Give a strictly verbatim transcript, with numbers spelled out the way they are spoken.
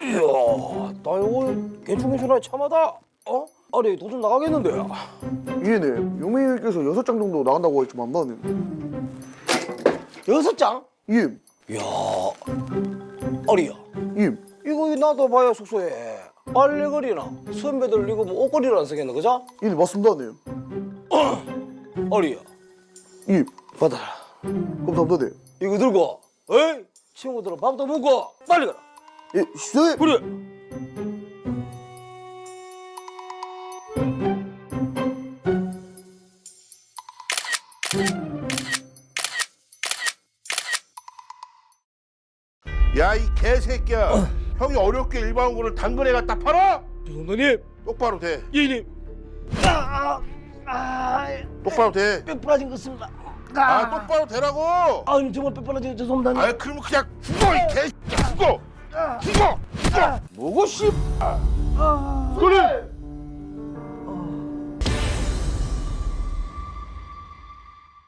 이야, 나 이거 괜찮겠구나 참하다. 어? 아니 돈 좀 나가겠는데요. 예네. 용맹이께서 여섯 장 정도 나간다고 했지만 나는. 여섯 장? 예. 이야, 아리야. 예. 이거 나도 봐야 숙소에 빨래거리나 선배들 이거 뭐 옷걸이를 안 쓰겠나 그죠? 예, 맞습니다, 네. 아리야, 예. 받아라. 감사합니다, 네. 이거 들고, 에이 친구들은 밥도 먹고 빨리 가라. 예, 시장님. 그래. 야, 이 개새끼야. 형이 어렵게 일반 거를 당근에 갖다 팔아? 죄송합니다. 똑바로 돼. 예님. 아, 아, 아, 똑바로 돼. 뼈 부러진 것 같습니다. 아, 똑바로 되라고. 아, 정말 뼈 부러진 거 죄송합니다. 아, 그러면 그냥 죽어, 이 개새끼야. 죽어. 죽어. 죽어. 뭐고 씨. 아.